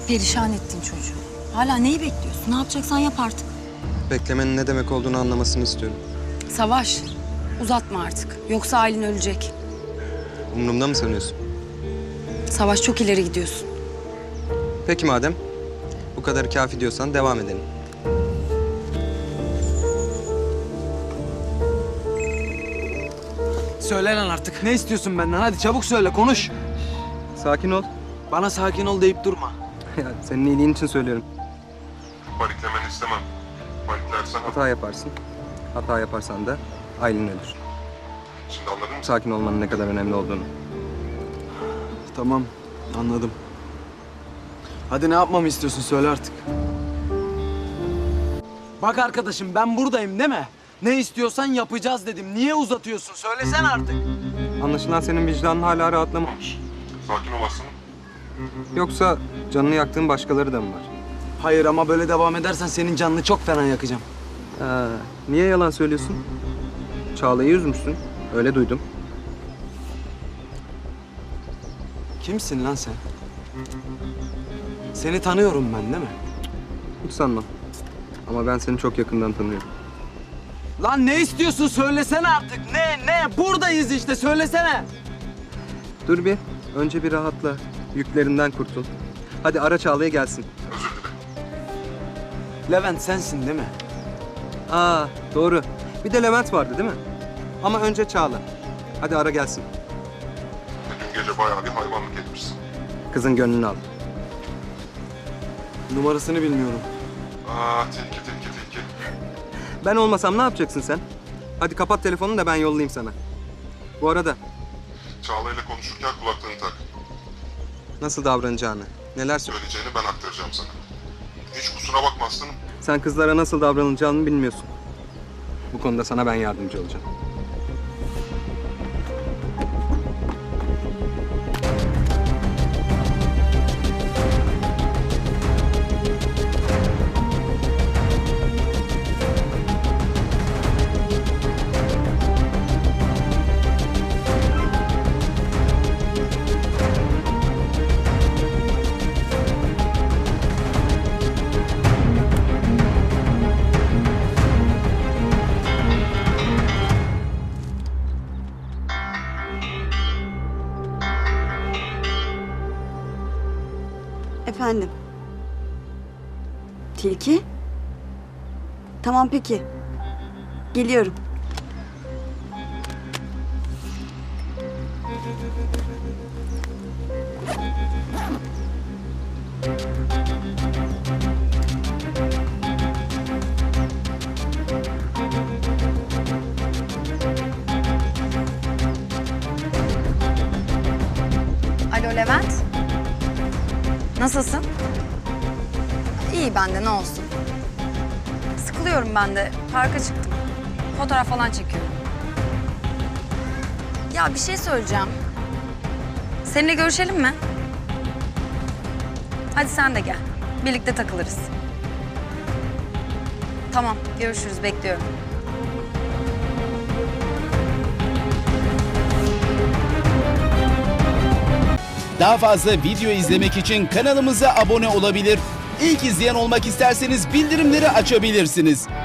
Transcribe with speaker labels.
Speaker 1: Perişan ettin çocuğu. Hala neyi bekliyorsun? Ne yapacaksan yap artık.
Speaker 2: Beklemenin ne demek olduğunu anlamasını istiyorum.
Speaker 1: Savaş, uzatma artık. Yoksa Aylin ölecek.
Speaker 2: Umurumda mı sanıyorsun?
Speaker 1: Savaş, çok ileri gidiyorsun.
Speaker 2: Peki madem bu kadar kafi diyorsan devam edelim.
Speaker 3: Söyle lan artık. Ne istiyorsun benden? Hadi çabuk söyle, konuş.
Speaker 2: Sakin ol.
Speaker 3: Bana sakin ol deyip durma.
Speaker 2: Ya, senin iyiliğin için söylüyorum.
Speaker 4: Paniklemeni istemem. Paniklersen
Speaker 2: Hata yaparsın. Hata yaparsan da Aylin ölür.
Speaker 4: şimdi anladın mı?
Speaker 2: Sakin olmanın ne kadar önemli olduğunu.
Speaker 3: Tamam, anladım. Hadi ne yapmamı istiyorsun? Söyle artık. Bak arkadaşım, ben buradayım değil mi? Ne istiyorsan yapacağız dedim. Niye uzatıyorsun? Söylesene artık.
Speaker 2: Anlaşılan senin vicdanın hala rahatlamamış.
Speaker 4: Sakin olasın.
Speaker 2: Yoksa canını yaktığın başkaları da mı var?
Speaker 3: Hayır ama böyle devam edersen senin canını çok fena yakacağım.
Speaker 2: Niye yalan söylüyorsun? Çağla'yı üzmüşsün. Öyle duydum.
Speaker 3: Kimsin lan sen? Seni tanıyorum ben değil mi?
Speaker 2: Hiç sanmam. Ama ben seni çok yakından tanıyorum.
Speaker 3: Lan ne istiyorsun? Söylesene artık. Ne? Buradayız işte. Söylesene.
Speaker 2: Dur bir. Önce bir rahatla. Yüklerinden kurtul. Hadi ara Çağla'ya gelsin.
Speaker 4: Özür dilerim.
Speaker 3: Levent sensin değil mi?
Speaker 2: Doğru. Bir de Levent vardı değil mi? Ama önce Çağla. Hadi ara gelsin.
Speaker 4: Dün gece bayağı bir hayvanlık etmişsin.
Speaker 2: Kızın gönlünü al.
Speaker 3: Numarasını bilmiyorum.
Speaker 4: Tilki.
Speaker 2: Ben olmasam ne yapacaksın sen? Hadi kapat telefonunu da ben yollayayım sana. Bu arada
Speaker 4: Çağla ile konuşurken kulaklığını tak.
Speaker 2: nasıl davranacağını, neler söyle.
Speaker 4: Söyleyeceğini ben aktaracağım sana. Hiç kusura bakma aslanım.
Speaker 2: Sen kızlara nasıl davranılacağını bilmiyorsun. Bu konuda sana ben yardımcı olacağım.
Speaker 5: Efendim? Tilki? Tamam peki. Geliyorum.
Speaker 1: Alo Levent. Nasılsın? İyi ben de, ne olsun. Sıkılıyorum ben de. Parka çıktım. Fotoğraf falan çekiyorum. Ya bir şey söyleyeceğim. Seninle görüşelim mi? Hadi sen de gel. Birlikte takılırız. Tamam, görüşürüz. Bekliyorum.
Speaker 6: Daha fazla video izlemek için kanalımıza abone olabilir. İlk izleyen olmak isterseniz bildirimleri açabilirsiniz.